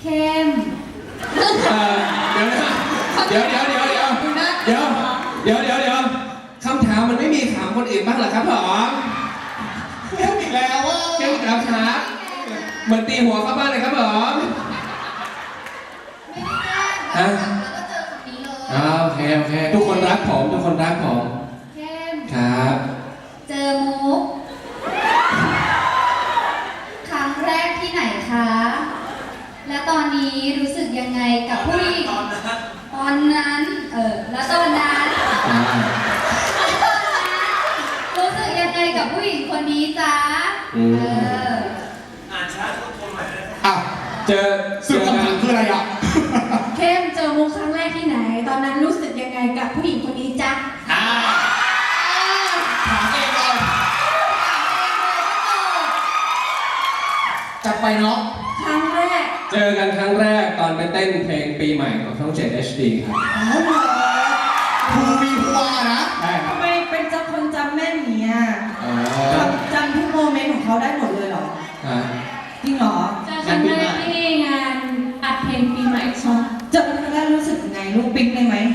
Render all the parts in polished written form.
เข้มเดี๋ยวคำถามมันไม่มีถามคนอื่นบ้างเหรอครับผมเข้มอีกแล้วว่าเข้มครับครับเหมือนตีหัวเข้าบ้านเลยครับผมไม่ได้แกล้งแล้วก็เจอคำนี้เลยโอเคทุกคนรักผมเข้มครับเจอมุกครั้งแรกที่ไหนคะและตอนนี้รู้สึกยังไงกับผู้หญิงตอนนั้นแล้วตอนนั้นรู้สึกยังไงกับผู้หญิงคนนี้จ๊ะอ่านช้าทุกคนหน่อยนะเจอคำถามคืออะไรอ่ะเข้มเจอมุกครั้งแรกที่ไหนตอนนั้นรู้สึกยังไงกับผู้หญิงคนนี้จ๊ะถามเองเลยจัดไปเนาะครั้งแรกเจอกันครั้งแรกตอนไปเต้นเพลงปีใหม่ของช่อง 7 HD ครับภูมีภูวานะใช่ครับทำไมเป็นจำคนจำแม่นอย่างเงี้ยจำทุกโมเมนต์ของเขาได้หมดเลยเหรอจริงเหรอเจอครั้งแรกที่งานอัดเพลงปีใหม่ช่องเจอครั้งแรกรู้สึกยังไงลูกปิ๊งได้ไหม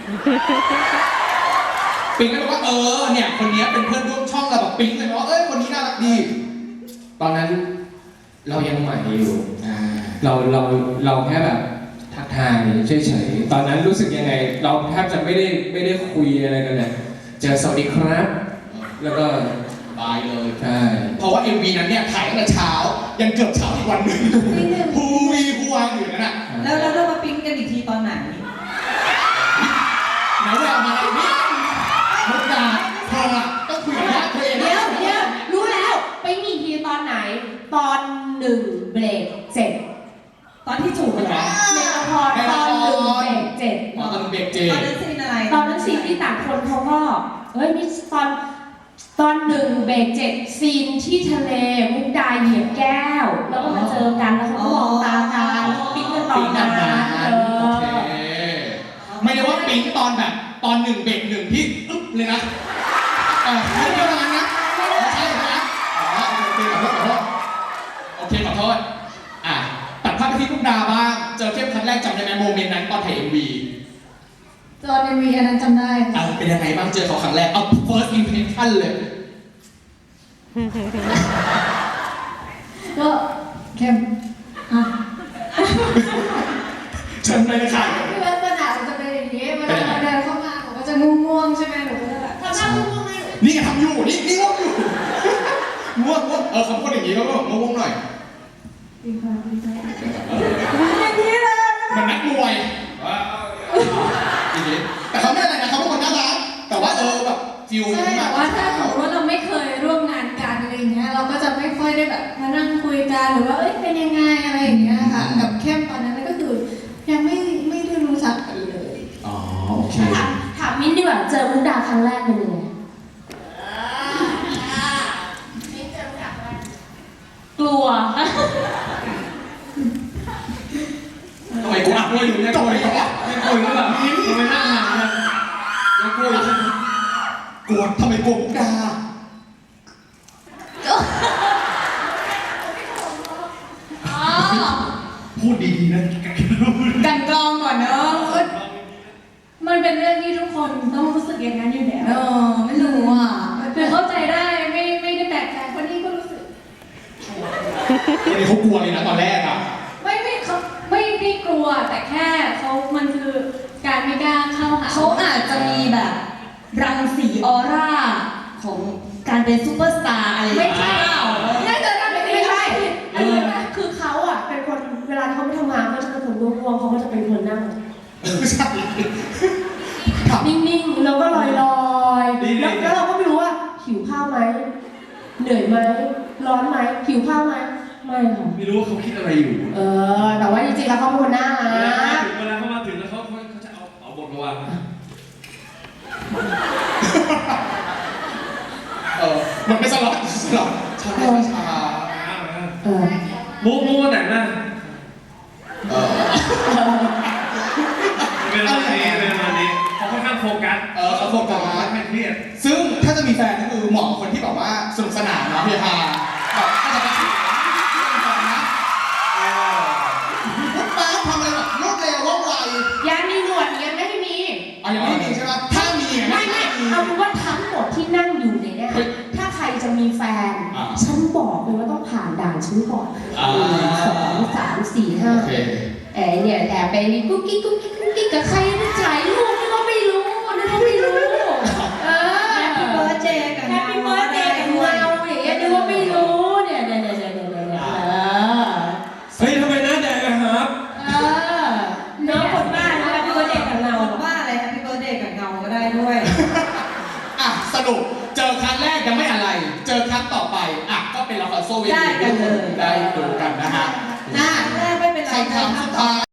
ปิ๊งก็บอกว่าเนี่ยคนนี้เป็นเพื่อนร่วมช่องเราแบบปิ๊งเลยว่าคนนี้น่ารักดีตอนนั้นเรายังใหม่อยู่เราแค่แบบทักทายเฉยๆตอนนั้นรู้สึกยังไงเราแทบจะไม่ได้คุยอะไรกันเลยเจอสวัสดีครับแล้วก็บายเลยใช่เพราะว่า MV นั้นเนี่ยถ่ายตั้งแต่เช้ายันเกือบเช้าอีกวันหนึ่งภูมีภูวาอยู่นั่นน่ะแล้วเรามาปิ๊งกันอีกทีตอนไหนไหนแววมาเลยนี่มุกดาเธอต้องคุยกับญาติเธอเองเดี๋ยวรู้แล้วไปมีทีตอนไหนตอน1เบรกเสร็จตอนที่จูบเหรอในละครตอน1เบรกเจ็ดตอนเบรกเจ็ดตอนนั้นซีนอะไรตอนนั้นซีนที่ต่างคนเขาก็มีตอน1เบรกเจ็ดซีนที่ทะเลมุกดาเหยียบแก้วแล้วก็มาเจอกันแล้วเขาก็มองตากันปิ๊งกันตอนนั้นโอเคไม่ได้ว่าปิ๊งตอนแบบตอน1เบรก1ที่อึ๊บเลยนะไม่ได้ประมาณนั้นไม่ใช่นะโอเคขอโทษตัดภาพไปที่มุกดาบ้างเจอเข้มครั้งแรกจำได้ไหมโมเมนต์นั้นตอนถ่าย MV ตอน MV อันนั้นจำได้เป็นยังไงบ้างเจอเขาครั้งแรกเอา first impression เลยก็เข้มเชิญเลยค่ะคือลักษณะมันจะเป็นอย่างนี้เวลาเราเดินเข้ามาผมก็จะง่วงๆใช่ไหมหนูก็จะแบบทำหน้าง่วงๆให้นี่ทำอยู่นี่ง่วงอยู่ง่วงคำพูดอย่างนี้ก็แบบง่วงหน่อยอย่างนี้เลยมันนักมวยแต่เขาไม่อะไรนะเขาเป็นคนน่ารักแต่ว่าแบบฟิลใช่แต่ว่าถ้าสมมติว่าเราไม่เคยร่วมงานกันอะไรอย่างเงี้ยเราก็จะไม่ค่อยได้แบบมานั่งคุยกันหรือว่าเป็นยังไงอะไรอย่างเงี้ยค่ะกับเข้มตอนนั้นก็คือยังไม่ได้รู้จักกันเลยโอเคถามมิ้นดีกว่าเจอมุกดาครั้งแรกเป็นยังไงกลัวทำไมกูกลัวอยู่เนี่ยกลัวอยู่ไม่กลัวหรือเปล่าทำไมนั่งห่างกันยังกลัวอยู่กลัวทำไมกลัวมุกดาพูดดีๆนะกันกรองก่อนเนอะมันเป็นเรื่องที่ทุกคนต้องรู้สึกอย่างนั้นอยู่แล้วไม่รู้คือเข้าใจได้ไม่ได้แปลกใจคนนี้ก็รู้สึกคนนี้เขากลัวเลยนะตอนแรกเขาไม่ได้กลัวแต่แค่มันคือการไม่กล้าเข้าหาเขาอาจจะมีแบบรังสีออร่าของการเป็นซูเปอร์สตาร์อะไรไม่ใช่น่าจะไม่ใช่คือเขาเป็นคนเวลาเขาไม่ทำงานเขาจะเป็นคนง่วงเขาก็จะเป็นคนนั่งนิ่งๆแล้วก็ลอยๆแล้วเราก็ไม่รู้ว่าหิวข้าวไหมเหนื่อยไหมร้อนไหมหิวข้าวไหมไม่ค่ะไม่รู้ว่าเขาคิดอะไรอยู่แต่ว่าจริงๆแล้วเขาเป็นคนน่ารักเวลาเขามาถึงแล้วเขาจะเอาบทมาวางมันไม่สล็อตช้ามูแต่งหน้าเป็นวันนี้เขาค่อนข้างโฟกัสเขาโฟกัสไม่เครียดซึ่งถ้าจะมีแฟนก็คือเหมาะกับคนที่แบบว่าสนุกสนานเนาะเฮฮาแบบถ้าจะไปฉันบอกเลยว่าต้องผ่านด่านฉันก่อน 1 2 3 4 โอเค 5เนี่ยแอบไปกุ๊กกิ๊กกุ๊กกิ๊กกุ๊กกิ๊กกับใครนะถ่ายรูปนี่ก็ไม่รู้นี่ก็ไม่รู้เออแฮปปี้เบิร์ดเดย์กับแฮปปี้เบิร์ดเดย์กับเราอย่างเงี้ยดูว่าไม่รู้เนี่ยเฮ้ยทำไมหน้าแดงอะครับน้องคนบ้านนะแฮปปี้เบิร์ดเดย์กับเราคนบ้าอะไรแฮปปี้เบิร์ดเดย์กับเงาก็ได้ด้วยอ่ะสรุปเจอครั้งแรกยังไม่อะไร เจอครั้งต่อไปอ่ะก็เป็นละครโซเวได้กันเลยได้ดูกันนะฮะแรกไม่เป็นไรคำถามสุดท้าย